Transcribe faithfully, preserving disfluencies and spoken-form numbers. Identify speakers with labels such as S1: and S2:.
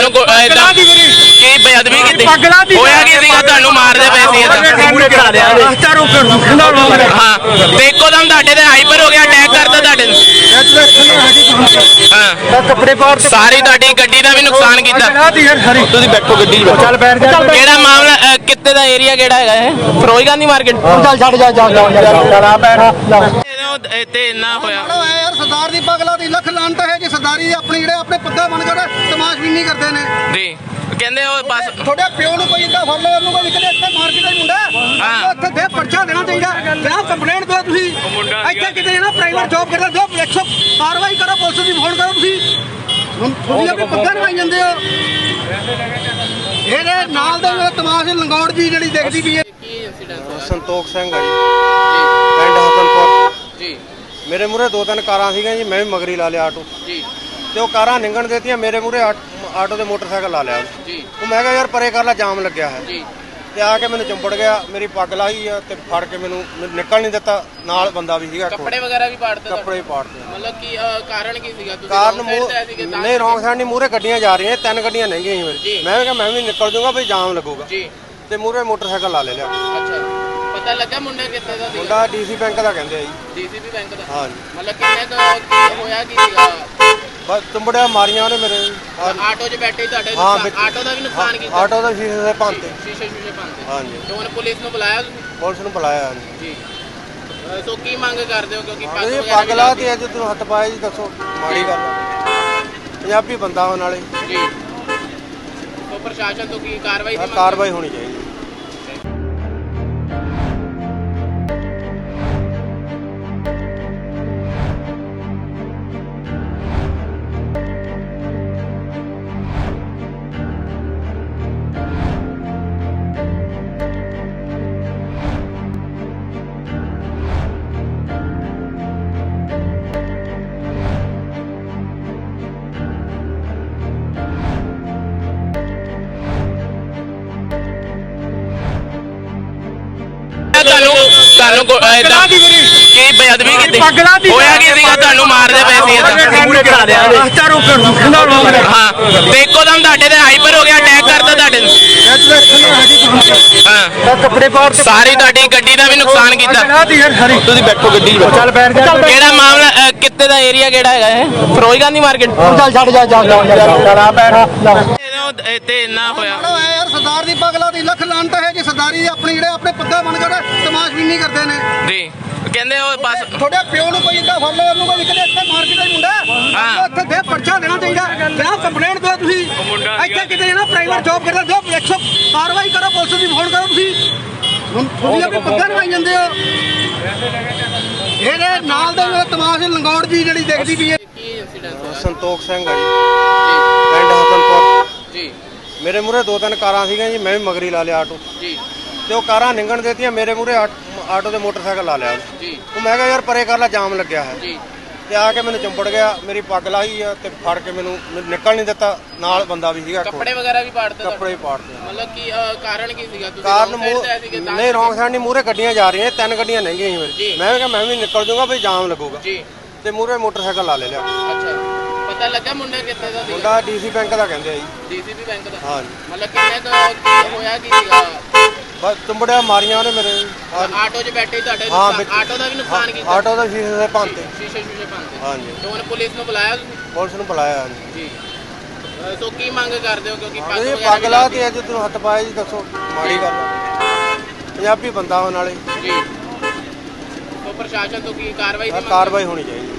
S1: ਤੁਹਾਨੂੰ ਕੀ ਬੇਅਦਬੀ ਕੀਤੀ ਹੋਇਆ ਕੀ ਸੀਗਾ ਤੁਹਾਨੂੰ ਮਾਰਦੇ ਪਏ ਸੀ ਹਾਂ ਤੇ ਇੱਕੋ ਦਮ ਤੁਹਾਡੇ ਤੇ ਹਾਈਪਰ ਹੋ ਗਿਆ ਅਟੈਕ ਕਰਤਾ ਤੁਹਾਡੇ ਹਾਂ
S2: ਕੱਪੜੇ ਪਾੜ
S1: ਸਾਰੀ ਤੁਹਾਡੀ ਗੱਡੀ ਦਾ ਵੀ ਨੁਕਸਾਨ ਕੀਤਾ
S2: ਤੁਸੀਂ ਬੈਠੋ ਗੱਡੀ ਚੱਲ ਬੈਠ ਜਾ
S1: ਕਿਹੜਾ ਮਾਮਲਾ ਕਿੱਥੇ ਦਾ ਏਰੀਆ ਕਿਹੜਾ ਹੈਗਾ ਇਹ ਫਿਰੋਜ਼ ਗਾਂਧੀ ਮਾਰਕੀਟ
S2: ਚੱਲ ਛੱਡ ਜਾ ਚੱਲ ਆ ਬੈਠ
S1: ਤੇ ਇੰਨਾ ਹੋਇਆ
S3: ਯਾਰ ਸਰਦਾਰ ਦੀ ਪਗਲਾ ਦੀ ਲੱਖ ਲਾਂਟ ਹੈ ਜੀ ਸਰਦਾਰੀ ਆਪਣੀ ਜਿਹੜੇ ਆਪਣੇ ਪੱਗਾ ਬਣ ਕੇ ਤਮਾਸ਼ਬੀਨੀ ਕਰਦੇ ਨੇ
S1: ਜੀ ਕਹਿੰਦੇ ਉਹ ਬਸ
S3: ਤੁਹਾਡੇ ਪਿਓ ਨੂੰ ਕੋਈ ਇੱਦਾਂ ਫੜ ਲਿਆ ਉਹਨੂੰ ਕੋਈ ਕਿਤੇ ਇੱਥੇ ਮਾਰ ਕੇ ਮੁੰਡਾ
S1: ਹਾਂ
S3: ਉੱਥੇ ਦੇ ਪਰਚਾ ਦੇਣਾ ਚਾਹੀਦਾ ਜਨਾਬ ਕੰਪਲੇਂਟ ਦਿਓ ਤੁਸੀਂ ਇੱਥੇ ਕਿਤੇ ਨਾ ਪ੍ਰਾਈਵੇਟ ਜੌਬ ਕਰਦੇ ਦਿਓ ਇੱਕ ਸੌ ਕਾਰਵਾਈ ਕਰੋ ਪੁਲਿਸ ਦੀ ਫੋਨ ਕਰੋ ਤੁਸੀਂ ਹੁਣ ਤੁਸੀਂ ਆਪਣੇ ਪੱਗਾ ਲਵਾਈ ਜਾਂਦੇ ਹੋ ਇਹਦੇ ਨਾਲ ਦੇ ਮੇਰੇ ਤਮਾਸ਼ ਲੰਗੌੜ ਜੀ ਜਿਹੜੀ ਦੇਖਦੀ ਵੀ ਹੈ
S4: ਸੰਤੋਖ ਸਿੰਘ ਹੈ ਜੀ ਪਿੰਡ ਹਸਨਪੁਰ
S1: ਜੀ
S4: ਮੇਰੇ ਮੂਹਰੇ ਦੋ ਤਿੰਨ ਕਾਰਾਂ ਸੀਗੀਆਂ ਜੀ ਮੈਂ ਵੀ ਮਗਰੀ ਲਾ ਲਿਆ ਆਟੋ
S1: ਜੀ
S4: ਤੇ ਉਹ ਕਾਰਾਂ ਨਿੰਗਣ ਦੇਤੀਆਂ ਮੇਰੇ ਮੂਹਰੇ ਆਟੋ ਦੇ ਮੋਟਰਸਾਈਕਲ ਲਾ ਲਿਆ
S1: ਜੀ
S4: ਉਹ ਮੈਂ ਕਿਹਾ ਯਾਰ ਪਰੇ ਕਰ ਲੈ ਜਾਮ ਲੱਗਿਆ ਹੈ
S1: ਜੀ
S4: ਤੇ ਆ ਕੇ ਮੈਨੂੰ ਚੰਬੜ ਗਿਆ ਮੇਰੀ ਪੱਗ ਲਾਹੀ ਆ ਤੇ ਫੜ ਕੇ ਮੈਨੂੰ ਨਿਕਲ ਨਹੀਂ ਦਿੱਤਾ ਨਾਲ ਬੰਦਾ ਵੀ ਸੀਗਾ
S1: ਕੱਪੜੇ ਵਗੈਰਾ ਵੀ ਪਾੜਦੇ
S4: ਕੱਪੜੇ ਪਾੜਦੇ
S1: ਮਤਲਬ ਕੀ ਕਾਰਨ ਕੀ ਸੀਗਾ ਤੁਸੀਂ
S4: ਕਾਰਨ ਨਹੀਂ ਰੌਂਗ ਸਾਈਡ ਨਹੀਂ ਮੂਹਰੇ ਗੱਡੀਆਂ ਜਾ ਰਹੀਆਂ ਤਿੰਨ ਗੱਡੀਆਂ ਲੰਘੀਆਂ ਸੀ ਮੇਰੇ ਮੈਂ ਕਿਹਾ ਮੈਂ ਵੀ ਨਿਕਲ ਜਾਊਗਾ ਵੀ ਜਾਮ ਲੱਗੂਗਾ
S1: ਜੀ
S4: ਤੇ ਮੂਹਰੇ ਮੋਟਰਸਾਈਕਲ ਲਾ ਲੈ ਲਿਆ
S1: ਅੱਛਾ ਪਤਾ ਲੱਗਾ ਮੁੰਡਾ ਕਿੱਥੇ ਦਾ ਸੀਗਾ
S4: ਮੁੰਡਾ ਡੀਸੀ ਬੈਂਕ ਦਾ ਕਹਿੰਦੇ ਆ ਜੀ
S1: ਡੀਸੀਪੀ ਬੈਂਕ ਦਾ
S4: ਹਾਂ ਜੀ
S1: ਮਤਲਬ ਕਿੰਨੇ ਕੁ ਹੋਇਆ ਕੀ ਸੀਗਾ
S4: ਬਸ ਚੰਬੜਿਆ ਮਾਰੀਆਂ ਉਹਨੇ ਮੇਰੇ
S1: ਆਟੋ 'ਚ ਬੈਠੇ ਤੁਹਾਡੇ
S4: ਹਾਂ,
S1: ਆਟੋ ਦਾ ਵੀ ਨੁਕਸਾਨ ਕੀਤਾ
S4: ਆਟੋ ਦਾ ਸ਼ੀਸ਼ੇ ਦੇ ਭੰਤੇ
S1: ਸ਼ੀਸ਼ੇ ਸ਼ੀਸ਼ੇ ਭੰਨਤੇ
S4: ਹਾਂਜੀ
S1: ਤੇ ਹੁਣ ਪੁਲਿਸ ਨੂੰ ਬੁਲਾਇਆ ਤੁਸੀਂ
S4: ਪੁਲਿਸ ਨੂੰ ਬੁਲਾਇਆ
S1: ਜੀ ਅਹ ਸੋ ਕੀ ਮੰਗ ਕਰਦੇ ਹੋ ਕਿਉਂਕਿ ਪੱਗ
S4: ਇਹ
S1: ਵਗੈਰਾ
S4: ਪੱਗ
S1: ਵੀ
S4: ਲਾ
S1: ਲੱਗਦੀ
S4: ਤੇ ਅੱਜ ਤੂੰ ਹੱਥ ਪਾਇਆ ਜੀ ਦੱਸੋ ਮਾੜੀ ਗੱਲ ਆ। ਪੰਜਾਬੀ ਬੰਦਾ ਹੋਣ ਵਾਲੇ
S1: ਜੀ ਸੋ ਪ੍ਰਸ਼ਾਸਨ ਤੋਂ ਕੀ ਕਾਰਵਾਈ ਦੀ ਮੰਗ
S4: ਕਾਰਵਾਈ ਹੋਣੀ ਚਾਹੀਦੀ
S1: ਤੁਹਾਨੂੰ ਤੁਹਾਨੂੰ ਕੀ ਬੇਅਦਬੀ ਕੀਤੀ ਹੋਇਆ ਕੀ ਸੀਗਾ ਤੁਹਾਨੂੰ ਮਾਰਦੇ ਪਏ ਸੀ ਹਾਂ ਤੇ ਇੱਕੋ ਦਮ ਤੁਹਾਡੇ ਤੇ ਹਾਈਪਰ ਹੋ ਗਿਆ ਅਟੈਕ ਕਰਤਾ ਤੁਹਾਡੇ ਹਾਂ
S2: ਕੱਪੜੇ ਪਾੜ
S1: ਸਾਰੀ ਤੁਹਾਡੀ ਗੱਡੀ ਦਾ ਵੀ ਨੁਕਸਾਨ ਕੀਤਾ
S2: ਤੁਸੀਂ ਬੈਠੋ ਗੱਡੀ ਚੱਲ ਬੈਠ ਜਾ
S1: ਕਿਹੜਾ ਮਾਮਲਾ ਕਿੱਥੇ ਦਾ ਏਰੀਆ ਕਿਹੜਾ ਹੈਗਾ ਇਹ ਫਿਰੋਜ਼ ਗਾਂਧੀ ਮਾਰਕੀਟ
S2: ਚੱਲ ਛੱਡ ਜਾ ਚੱਲ ਆ ਬੈਠ
S1: ਤੇ ਇੰਨਾ ਹੋਇਆ
S3: ਯਾਰ ਸਰਦਾਰ ਦੀ ਪਗਲਾ ਦੀ ਲੱਖ ਲਾਂਟ ਹੈ ਜੀ ਸਰਦਾਰੀ ਆਪਣੀ ਜਿਹੜੇ ਆਪਣੇ ਪੱਗਾ ਬਣ ਕੇ ਤਮਾਸ਼ਬੀਨੀ ਕਰਦੇ ਨੇ
S1: ਜੀ ਕਹਿੰਦੇ ਉਹ ਬਸ
S3: ਤੁਹਾਡੇ ਪਿਓ ਨੂੰ ਕੋਈ ਇੱਦਾਂ ਫੜ ਲਿਆ ਉਹਨੂੰ ਕੋਈ ਕਿਤੇ ਇੱਥੇ ਮਾਰ ਕੇ ਮੁੰਡਾ
S1: ਹਾਂ
S3: ਉੱਥੇ ਦੇ ਪਰਚਾ ਦੇਣਾ ਚਾਹੀਦਾ ਜਨਾਬ ਕੰਪਲੇਂਟ ਦਿਓ ਤੁਸੀਂ ਇੱਥੇ ਕਿਤੇ ਨਾ ਪ੍ਰਾਈਵੇਟ ਜੌਬ ਕਰਦੇ ਦਿਓ ਇੱਕ ਸੌ ਕਾਰਵਾਈ ਕਰੋ ਪੁਲਿਸ ਦੀ ਫੋਨ ਕਰੋ ਤੁਸੀਂ ਹੁਣ ਤੁਸੀਂ ਆਪਣੇ ਪੱਗਾ ਲਵਾਈ ਜਾਂਦੇ ਹੋ ਇਹਦੇ ਨਾਲ ਦੇ ਮੇਰੇ ਤਮਾਸ਼ ਲੰਗੌੜ ਜੀ ਜਿਹੜੀ ਦੇਖਦੀ ਵੀ ਹੈ
S1: ਕੀ ਇਨਸੀਡੈਂਟ
S4: ਸੰਤੋਖ ਸਿੰਘ ਹੈ ਜੀ ਪਿੰਡ ਹਸਨਪੁਰ
S1: ਜੀ
S4: ਮੇਰੇ ਮੂਹਰੇ ਦੋ ਤਿੰਨ ਕਾਰਾਂ ਸੀਗੀਆਂ ਜੀ ਮੈਂ ਵੀ ਮਗਰੀ ਲਾ ਲਿਆ ਆਟੋ
S1: ਜੀ
S4: ਤੇ ਉਹ ਕਾਰਾਂ ਨਿੰਗਣ ਦੇਤੀਆਂ ਮੇਰੇ ਮੂਹਰੇ ਆਟੋ ਦੇ ਮੋਟਰਸਾਈਕਲ ਲਾ ਲਿਆ
S1: ਜੀ
S4: ਉਹ ਮੈਂ ਕਿਹਾ ਯਾਰ ਪਰੇ ਕਰ ਲੈ ਜਾਮ ਲੱਗਿਆ ਹੈ
S1: ਜੀ
S4: ਤੇ ਆ ਕੇ ਮੈਨੂੰ ਚੰਬੜ ਗਿਆ ਮੇਰੀ ਪੱਗ ਲਾਹੀ ਆ ਤੇ ਫੜ ਕੇ ਮੈਨੂੰ ਨਿਕਲ ਨਹੀਂ ਦਿੱਤਾ ਨਾਲ ਬੰਦਾ ਵੀ ਸੀਗਾ
S1: ਕੱਪੜੇ ਵਗੈਰਾ ਵੀ ਪਾੜਦੇ
S4: ਕੱਪੜੇ ਪਾੜਦੇ
S1: ਮਤਲਬ ਕੀ ਕਾਰਨ ਕੀ ਸੀਗਾ ਤੁਸੀਂ
S4: ਕਾਰਨ
S1: wrong side ਤੇ ਆਏ ਸੀਗੇ ਤਾਂ
S4: ਨਹੀਂ ਰੌਂਗ ਸਾਈਡ ਨਹੀਂ ਮੂਹਰੇ ਗੱਡੀਆਂ ਜਾ ਰਹੀਆਂ ਤਿੰਨ ਗੱਡੀਆਂ ਲੰਘੀਆਂ ਸੀ ਮੇਰੇ ਮੈਂ ਕਿਹਾ ਮੈਂ ਵੀ ਨਿਕਲ ਜਾਊਗਾ ਵੀ ਜਾਮ ਲੱਗੂਗਾ
S1: ਜੀ
S4: ਤੇ ਮੂਹਰੇ ਮੋਟਰਸਾਈਕਲ ਲਾ ਲੈ ਲਿਆ
S1: ਅੱਛਾ ਪਤਾ ਲੱਗਾ ਮੁੰਡਾ ਕਿੱਥੇ ਦਾ ਸੀਗਾ
S4: ਮੁੰਡਾ ਡੀਸੀ ਬੈਂਕ ਦਾ ਕਹਿੰਦੇ ਆ ਜੀ
S1: ਡੀਸੀਪੀ ਬੈਂਕ ਦਾ
S4: ਹਾਂ ਜੀ
S1: ਮਤਲਬ ਕਿੰਨੇ ਕੁ ਹੋਇਆ ਕੀ ਸੀਗਾ
S4: ਬਸ ਚੰਬੜਿਆ ਮਾਰੀਆਂ ਉਹਨੇ ਮੇਰੇ
S1: ਆਟੋ 'ਚ ਬੈਠੇ ਤੁਹਾਡੇ
S4: ਹਾਂ, ਵਿੱਚ-
S1: ਆਟੋ ਦਾ ਵੀ ਨੁਕਸਾਨ ਕੀਤਾ
S4: ਆਟੋ ਦਾ ਸ਼ੀਸ਼ੇ ਦੇ ਭੰਤੇ
S1: ਸ਼ੀਸ਼ੇ ਸ਼ੀਸ਼ੇ ਭੰਨਤੇ
S4: ਹਾਂਜੀ
S1: ਤੇ ਹੁਣ ਪੁਲਿਸ ਨੂੰ ਬੁਲਾਇਆ ਤੁਸੀਂ
S4: ਪੁਲਿਸ ਨੂੰ ਬੁਲਾਇਆ
S1: ਜੀ ਅਹ ਸੋ ਕੀ ਮੰਗ ਕਰਦੇ ਹੋ ਕਿਉਂਕਿ ਪੱਗ
S4: ਇਹ
S1: ਵਗੈਰਾ
S4: ਪੱਗ
S1: ਵੀ
S4: ਲਾ
S1: ਲੱਗਦੀ
S4: ਤੇ ਅੱਜ ਤੂੰ ਹੱਥ ਪਾਇਆ ਜੀ ਦੱਸੋ ਮਾੜੀ ਗੱਲ ਆ। ਪੰਜਾਬੀ ਬੰਦਾ ਹੋਣ ਵਾਲੇ
S1: ਜੀ ਸੋ ਪ੍ਰਸ਼ਾਸਨ ਤੋਂ ਕੀ ਕਾਰਵਾਈ ਦੀ ਮੰਗ
S4: ਕਾਰਵਾਈ ਹੋਣੀ ਚਾਹੀਦੀ